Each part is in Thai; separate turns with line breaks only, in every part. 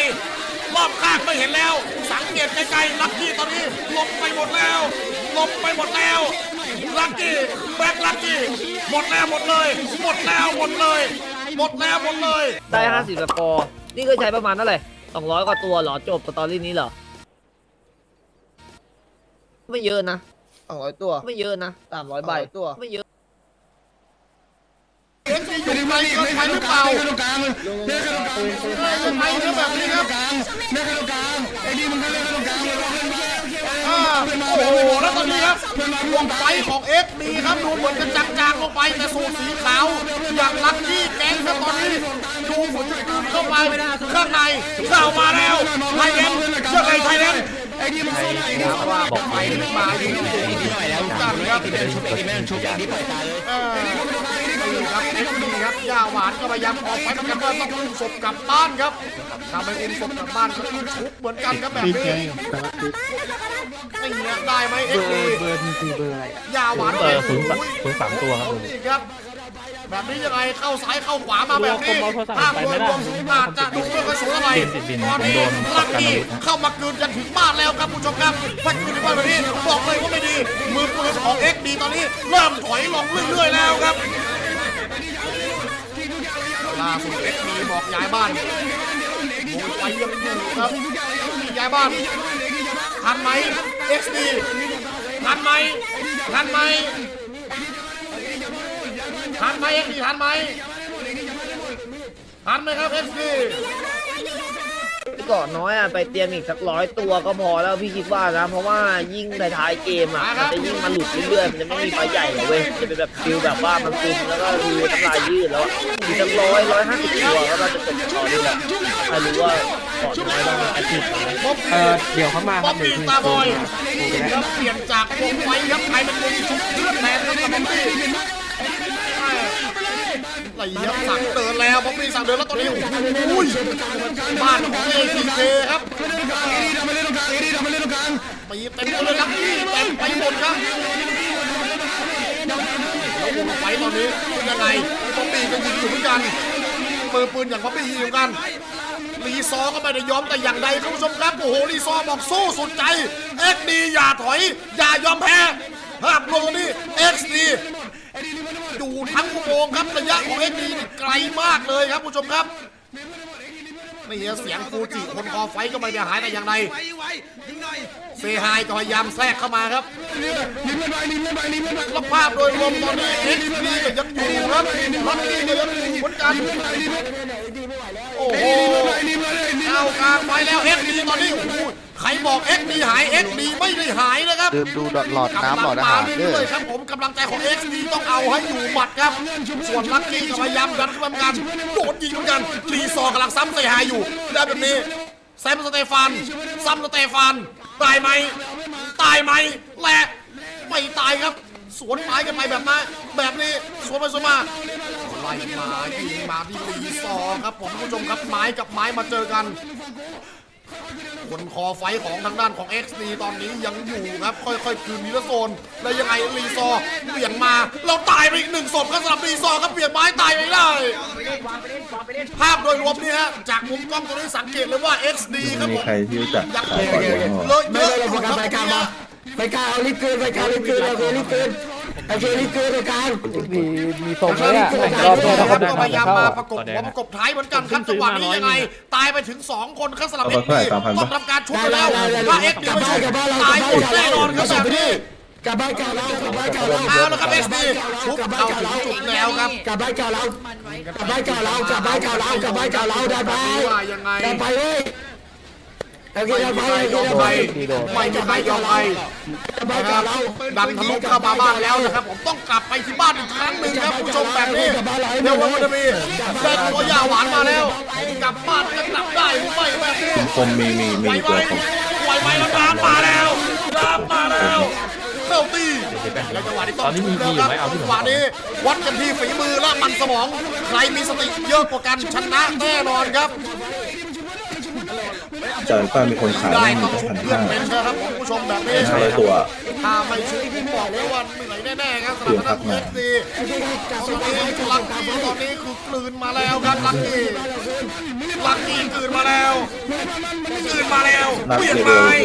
รอบข้างไม่เห็นแล้วสังเกตไกลๆลักกี้ตอนนี้ลงไปหมดแล้วลักกี้แบ็คลักกี้หมดแล้วหมดเลย
ได้50สกอร์นี่ก็ใช้ประมาณเท่าไหร่200กว่าตัวเหรอจบสตอรี่นี้เหรอไม่เยอะนะ200ตัวไม่เยอะนะ300ใบตัวไม่เยอะ
อยู่ในเกินไปหรือเปล่าทำไมเรื่องแบบนี้ครับโอ้โหแล้วตอนนี้ครับวงไฟของเอ็กดีครับดูเหมือนจะจางๆลงไปแต่สูตรสีขาวอย่างลักกี้แก๊งครับตอนนี้ดูเหมือนจะกลืนเข้าไปข้างในเข้ามาแล้วไทยแลนด์เชื่อใครไทยแลนด์ว่าบอกไปมาดีหน่อยแล้วกันครับชุบอย่างนี้ปล่อยตาเลยครับเอ็กดีครับย่าหวานก็พยายามออกไปเหมือนกันว่าต้องอุ้มศพกลับบ้านครับทำให้อุ้มศพกลับบ้านก็ต้องชุบเหมือนกันครับแบบนี้นี่ได้ไหมเอ็กดีเบอร์อะไรย่าหวาน
03ตัว
ครับแบบนี้ยังไงเข้าซ้ายเข้าขวามาแบบนี้ถ้าโดยรวมอาจจะดูไม่ค่อยสวยอะไรตอนนี้ลักกี้เข้ามาเกินจนถึงบ้านแล้วครับผู้ชมครับถ้าเกินถึงบ้านแบบนี้บอกเลยว่าไม่ดีมือปืนของเอ็กดีตอนนี้เริ่มถอยลงเรื่อยๆแล้วครับล่าสุดเอ็กดีบอกย้ายบ้านโดนไปยังอยู่ครับย้ายบ้านทันไหมเอ็กดีทันไหมเอ็กดีทันไหมครับเอ็กดี
ก่อนน้อยไปเตรียมอีกสัก100ตัวก็พอแล้วพี่คิดว่านะเพราะว่ายิ่งท้ายเกมมันจะยิ่งมาหลุดเรื่อยๆมันจะไม่มีไฟใหญ่เลยเว้ยจะเป็นแบบฟิลแบบว่ามันซึมแล้วก็ดูน้ำลายยืดแล้วมีสัก150ตัวก็เราจะจบต่อได้แหละใครรู้ว่าก่อนน้อยต้องอาชีพ
เดี๋ยวเขามาครับ
ปีตาบอยครับเปลี่ยนจากวงไฟครับใครเป็นวงชุบเลือดแทนครับบ๊อบบี้ไหลยับสั่งเดินแล้วบ๊อบบี้สั่งเดินแล้วตอนนี้อุ้ยบ้านของATKครับปีเต็มเลยครับเต็มไปหมดครับแล้ววงไฟตอนนี้ยังไงบ๊อบบี้ก็ยิงอยู่เหมือนกันปืนอย่างบ๊อบบี้ยิงเหมือนกันลีซอก็ไม่ได้ยอมแต่อย่างใดคุณผู้ชมครับโอ้โหลีซอบอกสู้สุดใจเอ็กดีอย่าถอยอย่ายอมแพ้ภาพรวมนี้เอ็กดีอยู่ทั้งอุโมงค์ครับระยะของเอ็กดีไกลมากเลยครับผู้ชมครับนี่เสียงฟูจิคนคอไฟก็ไม่ได้หายแต่อย่างใดเซฮายก็พยายามแทรกเข้ามาครับแล้วภาพโดยรวมตอนนี้เอ็กดีก็ยังอยู่ครับลักกี้ก็ยังอยู่เหมือนกันโอ้โหเอากลางไปแล้วเอ็กดีตอนนี้ใครบอกเอ็กดีหายเอ็กดีไม่ได้หายนะครับ
ดูหลอดน้ำหลอดอาหาร
ด้วยครับผมกำลังใจของเอ็กดีต้องเอาให้อยู่หมัดครับส่วนลักกี้ก็พยายามดันขึ้นกันโดนยิงเหมือนกันรีซอกำลังซ้ำเซฮายอยู่ได้แบบนี้แซมสเตฟานซ้ำสเตฟานตายไหมและไม่ตายครับสวนไม้กันไปแบบนี้สวนไปสวนมาไล่มายิงมาที่รีซอครับผมผู้ชมครับไม้กับไม้มาเจอกันคนคอไฟของทางด้านของ XD ตอนนี้ยังอยู่ครับค่อยๆคืนนิรโซนแล้วยังไงรีซอเบี่ยงมาเราตายไปอีก1ศพครับสำหรับรีซอครับเบี่ยงไม้ตายไม่ได้ภาพโดยรวมนี่ฮะจากมุมกล้องตรงนี้สังเกตเลยว่า XD ครับผม
มีใครที่รู้จัก
เลยเยอะอยู่ครับ
ไปกลางเอาลิฟต์เกินโอเคลิฟต์เกินไปกลาง
มีตรงเลย
รอบนี้นะครับพยายามมาประกบหัวประกบท้ายเหมือนกันครับจังหวะนี้ยังไงตายไปถึง2คนครับสำหรับ XD ต้องทำการชุบไปแล้วถ้า XD ไม่ชุบตายหมดแน่นอนครับแบบนี้
กลับบ้านเก่าเรา
เอาแล้วครับเอสดีชุบเข้าถึงจุดแล้วครับ
กลับบ้านเก่าเราได้ไปได้ไปเว้ย
ไม่มีใครยอมใครนะครับดันทะลุเข้ามาบ้านแล้วนะครับผมต้องกลับไปที่บ้านอีกครั้งหนึ่งครับผู้ชมแบบนี้เดี๋ยววันนี้ได้ตัวยาหวานมาแล้วกลับบ้านจะกลับได้หรือไม่แบบนี้
ผมมีตัวผม
ไหวไหมแล้วน้ำมาแล้วเข้าตีแล้วจังหวะนี้ต้องชุบแล้วครับจังหวะนี้วัดกันที่ฝีมือและมันสมองใครมีสติเยอะกว่ากันชนะแน่นอนครับ
จ่ายป้ามีคนขาย
ได้
มี
ต้อง
แค่
ชุบ
พัน
เพื่อน
ห้า
เป็นนะครับผมผู้ชมแบบนี้
500 ตัว
ถ้าไม่ชุบผมบอกเลยว่าเหนื่อยแน่ๆครับสำหรับทางเอฟซีตอนนี้ลักกี้ตอนนี้คือกลืนมาแล้วครับลักกี้กลืนมาแล้วเหวี่ยงไม้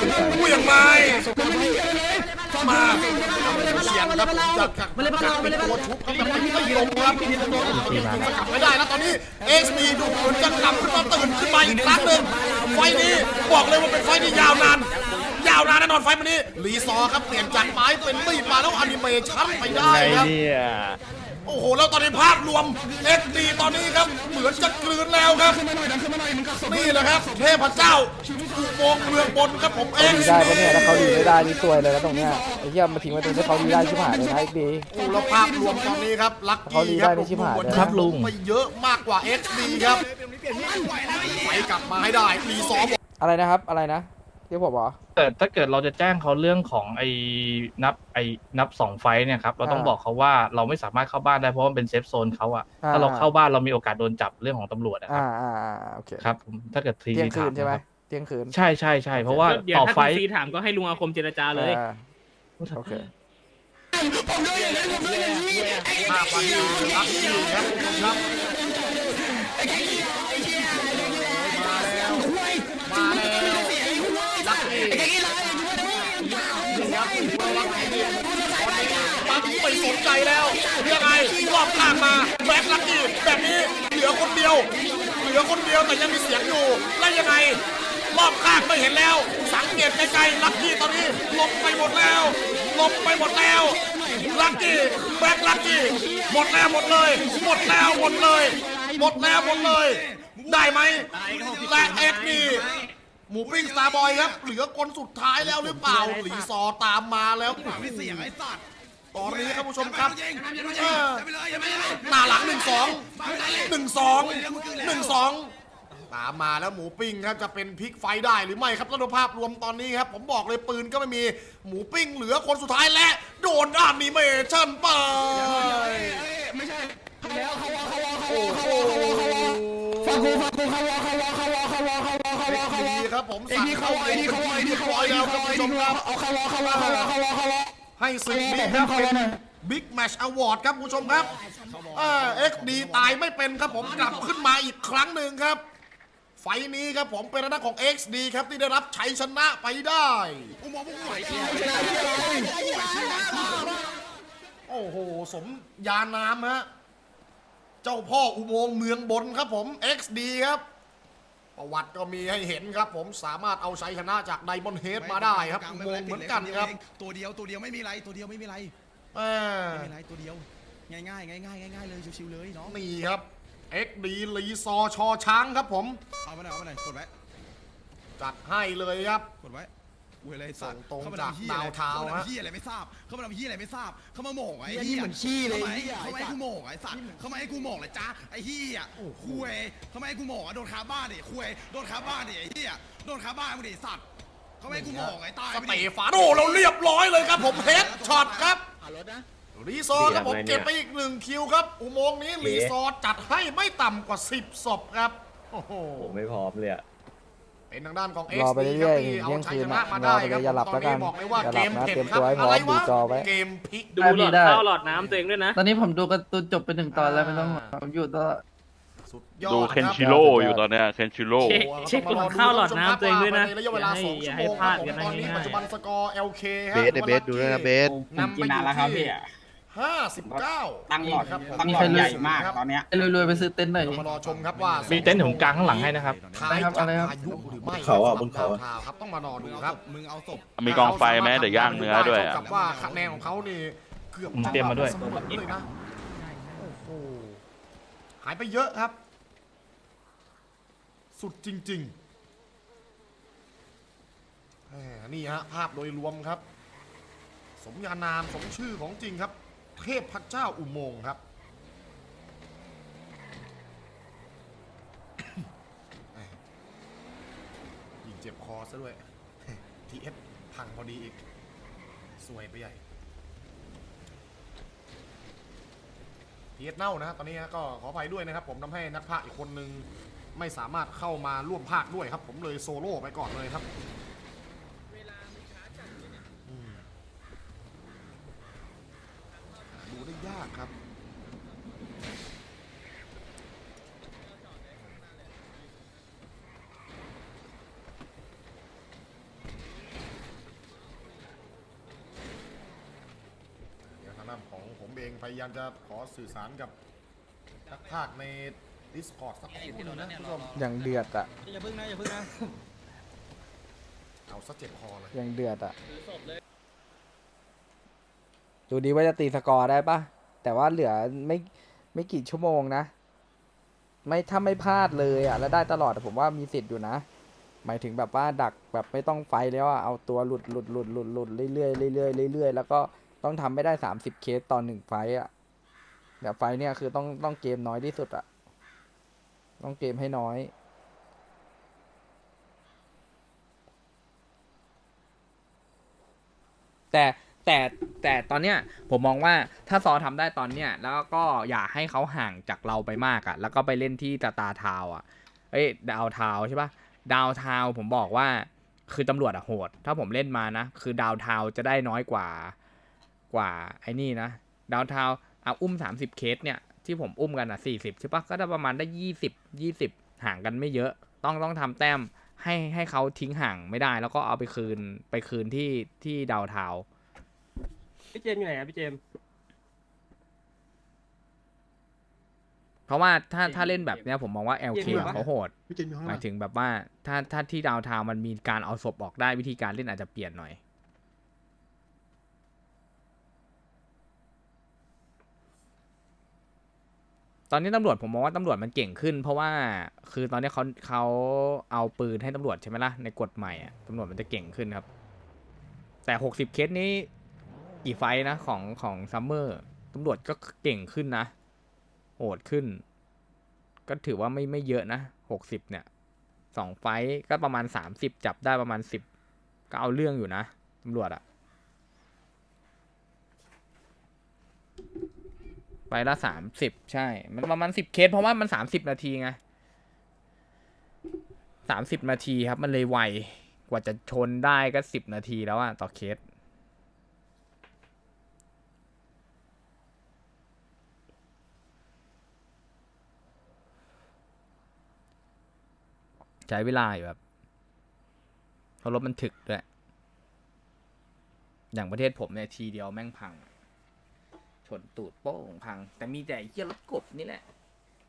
มาเสียงครับจากเป็นตัวชุบครับแต่ไม่ลงครับสกัดไม่ได้แล้วตอนนี้เอ็กซ์ดีดูเหมือนจะกลับขึ้นมาตื่นขึ้นมาอีกครั้งหนึ่งไฟนี้บอกเลยว่าเป็นไฟที่ยาวนานแน่นอนไฟมันนี้รีซอร์ครับเปลี่ยนจากไม้เป็นมีดมาแล้วอนิเมชั่นไปได้ครับโอ้โหแล้วตอนนี้ภาพรวม XD ตอนนี้ครับเหมือนจะกลืนแล้วครับนี่แหละครับเทพเจ้าอุโมงค์เมืองบนครับผม
ดี
XD
ได้ปะเนี่ยถ้าเขาดีไม่ได้นี่ซวยเลยนะตรงเนี้ยไอ้เหี้ยมาทิ้งไว้ตรงที่เขาดีได้ชิบหายเลยนะไอ้ดี
โอ้แล้วภาพรวมตอนนี้ครับลัค
เขาดี
กี้ค
ได้
รับ
ในชิบหายเลย
ครับลุงไปเยอะมากกว่า XD ครับไปกลับมาให้ได้รีซอร์
อะไรนะครับอะไรนะที่ผมบอก
ถ้าเกิดเราจะแจ้งเขาเรื่องของนับ2 ไฟท์เนี่ยครับเราต้องบอกเขาว่าเราไม่สามารถเข้าบ้านได้เพราะมันเป็นเซฟโซนเขาอะถ้าเราเข้าบ้านเรามีโอกาสโดนจับเรื่องของตำรวจนะครับ
โอเค
ครับผมถ้าเกิดที
เที่ยงคืนใช่ไหมเที่ยงคืน
ใช่เพราะว่า
เดี๋ยว
ต่อ
ถ้า
ไฟ
คุณ
ท์
ซีถามก็ให้ลุงอาคมเจรจาเลย
โอเค
ภาพวันนี้ลัคกี้ครับคุณผู้ชมครับมาแล้วลัคกี้ปั๊บไม่สนใจแล้วยังไงรอบข้างมาแบ็คลัคกี้แบบนี้เหลือคนเดียวแต่ยังมีเสียงอยู่แล้วยังไงรอบข้างไม่เห็นแล้วสังเกตไกลๆลัคกี้ตอนนี้ลงไปหมดแล้วลัคกี้แบ็คลัคกี้หมดเลย ได้ไหมและเอ็กนี่หมูปิ้งสตาร์บอยครับเหลือคนสุดท้ายแล้วหรือเปล่าหลีซอตามมาแล้วตอนนี้ครับผู้ชมครับหน้าหลัง1-2 ตามมาแล้วหมูปิ้งครับจะเป็นพลิกไฟได้หรือไม่ครับแล้วดูภาพรวมตอนนี้ครับผมบอกเลยปืนก็ไม่มีหมูปิ้งเหลือคนสุดท้ายและโดนอนิเมชั่นไปไม่ใช่แล้วเขาครับผมสั่งเข้าแล้วครับผู้ชมครับให้ศึกนี้ครับเป็นบิ๊กแมชอวอร์ดครับผู้ชมครับXD ตายไม่เป็นครับผมกลับขึ้นมาอีกครั้งหนึ่งครับไฟนี้ครับผมเป็นหน้าของ XD ครับที่ได้รับชัยชนะไปได้โอ้โหสมยานามฮะเจ้าพ่ออุโมงค์เมืองบนครับผม XD ครับประวัติก็มีให้เห็นครับผมสามารถเอาชัยชนะจากไดมอนด์เฮดมาได้ครับอุโมงค์เหมือนกันครับ
ตัวเดียวไม่มีไรตัวเดียวไม่มีไรตัวเดียวง่ายเลยชิวๆเลยน้อง
นี่ครับ XD รีซอชอช้างครับผม
เอามาหน่อยกดไว้
จัดให้เลยครับ
กดไว้เวลาส่ง
ตรงจากดาวเท้าฮะ
เฮียอะไรไม่ทราบเขามาทำเฮียอะไรไม่ทราบเขามาโหม่งไอ้เฮียเหมือนขี้เลยเขาไม่ให้กูโหม่งไอ้สัตว์เขาไม่ให้กูโหม่งเลยจ้าไอ้เฮียคุยเขาไม่ให้กูโหม่งโดนคาบ้านดิคุยโดนคาบ้านดิไอ้เฮียโดนคาบ้านมึงดิสัตว์เขาไม่ให้กูโหม่งไอ้ตาย
สเตฟานโดเราเรียบร้อยเลยครับผมเฮดช็อตครับรีซอร์ครับผมเก็บไปอีก1 คิวครับอุโมงค์นี้รีซอร์จัดให้ไม่ต่ำกว่า10 ศพครับโอ้โห
ไม่พร้อมเลยอะ
เป็นทางด้านของ
รอไป
XD
เรื่อย
ที่
ๆ
เอา
เที่ยง
ชัย
คื
ช
น
นะมาได้ครับ
อย่าหลับ
ตอน
แล้วกั
นี้
น
บอกเลยว่า
อย่า
เก
หลับ
ม
นะ
เผ็ด
เตรียม
ครับ
ตัวให้พร้อ
อะไร
มดู
วะ
จอไว้
เกมพลิก
ดูหลอดข้าวหลอดน้ำตัวเองด้วยนะ
ตอนนี้ผมดูการ์ตูนจบไป1 ตอนแล้วไม่ต้องผมอยู่ตลอด
สุดยอด
ดูเคนชิโร่อยู่ตอนเนี้ยเคนชิโร่
เช็คหลอดข้าวหลอดน้ำตัวเองด้วยนะ
ในระยะเวลา2
อย่า
ชั่ว
ให้
โมง
พลาด
ค
กั
รับ
น
ตอนนี้
ง่ายๆ
ปัจจุบันสกอร์ LK ฮะ
เบสดูด้วยนะเบส
นำไปอยู่ที่59
ตั้งหลอด
ครับ
ตั้งหลอดใหญ่มากตอนเนี้ยรวยๆไปซื้อเต็นท์หน่อย
มารอชมครับว่า
มีเต็นท์ของกลางข้างหลังให้นะครับ
ท้ายจากพายุหรือไม่
เขาอ่ะบนเขาอ่ะ
ครับต้องมารอดูครับ
มึงเอาศพ
มีกองไฟไหมเดี๋ยวย่างเนื้อด้วย
เท่า
อะ
กับว่าคะแนนของเขานี่เกือบ
เตรียมมาด้วย
เสมอเลยนะโอ้โหหายไปเยอะครับ สุดจริงๆนี่ฮะภาพโดยรวมครับ สมญานามสมชื่อของจริงครับ เทพพเจ้าอุโมงค์ครับ ยิงเจ็บคอซะด้วย TF พังพอดีอีก สวยไปใหญ่ TF เน่านะตอนนี้ก็ขออภัยด้วยนะครับผมทำให้นักพากย์อีกคนนึงไม่สามารถเข้ามาร่วมภาคด้วยครับผมเลยโซโล่ไปก่อนเลยครับดูได้ยากครับทางด้านของผมเองพยายามจะขอสื่อสารกับนักพากย์ใน Discord สักครู่นึงนะคุณผู้ชม
อย่างเดือดอะ
อย่าพึ่งนะอย่าพึ่งนะ
เอาซะเจ็บคอเลย
อย่างเดือดอะดูดีว่าจะตีสกอร์ได้ปะแต่ว่าเหลือไม่กี่ชั่วโมงนะไม่ถ้าไม่พลาดเลยอะแล้วได้ตลอดผมว่ามีสิทธิ์อยู่นะหมายถึงแบบว่าดักแบบไม่ต้องไฟแล้วอะเอาตัวหลุดเรื่อยๆเรื่อยๆแล้วก็ต้องทำไม่ได้30เคสต่อ1ไฟอะแต่ไฟเนี่ยคือต้องเกมน้อยที่สุดอะต้องเกมให้น้อยแต่ตอนเนี้ยผมมองว่าถ้าซอทำได้ตอนเนี้ยแล้วก็อย่าให้เขาห่างจากเราไปมากอะแล้วก็ไปเล่นที่ตาทาวอะดาวทาวใช่ปะดาวทาวผมบอกว่าคือตำรวจอะโหดถ้าผมเล่นมานะคือดาวทาวจะได้น้อยกว่าไอ้นี่นะดาวทาวเอาอุ้ม30เคสเนี่ยที่ผมอุ้มกันอ่ะ40ใช่ปะก็ได้ประมาณได้20ห่างกันไม่เยอะต้องทำแต้มให้เขาทิ้งห่างไม่ได้แล้วก็เอาไปคืนที่ดาวทาว
พี่เจมอยู่ไหนครับพี่เจม
เพราะว่าถ้าเล่นแบบเนี้ยผมมองว่า LK เขาโหด
พี่เจนมีห้อง
หมายถึงแบบว่าถ้าที่ดาวทาวมันมีการเอาศพออกได้วิธีการเล่นอาจจะเปลี่ยนหน่อยตอนนี้ตำรวจผมมองว่าตำรวจมันเก่งขึ้นเพราะว่าคือตอนนี้เขาเอาปืนให้ตำรวจใช่ไหมล่ะในกฎใหม่อะตำรวจมันจะเก่งขึ้นครับแต่60เคสนี้กี่ไฟนะของซัมเมอร์ตำรวจก็เก่งขึ้นนะโหดขึ้นก็ถือว่าไม่เยอะนะ60เนี่ย2ไฟก็ประมาณ30จับได้ประมาณ10ก็เอาเรื่องอยู่นะตำรวจอะไปละ30ใช่มันประมาณ10เคสเพราะว่ามัน30นาทีไง30นาทีครับมันเลยไวกว่าจะชนได้ก็10นาทีแล้วอะต่อเคสใช้เวลาอยู่แบบเพราะรถมันถึกด้วยอย่างประเทศผมเนี่ยทีเดียวแม่งพังชนตูดโป้งพังแต่มีแต่ไอ้เหี้ยรถกบนี่แหละ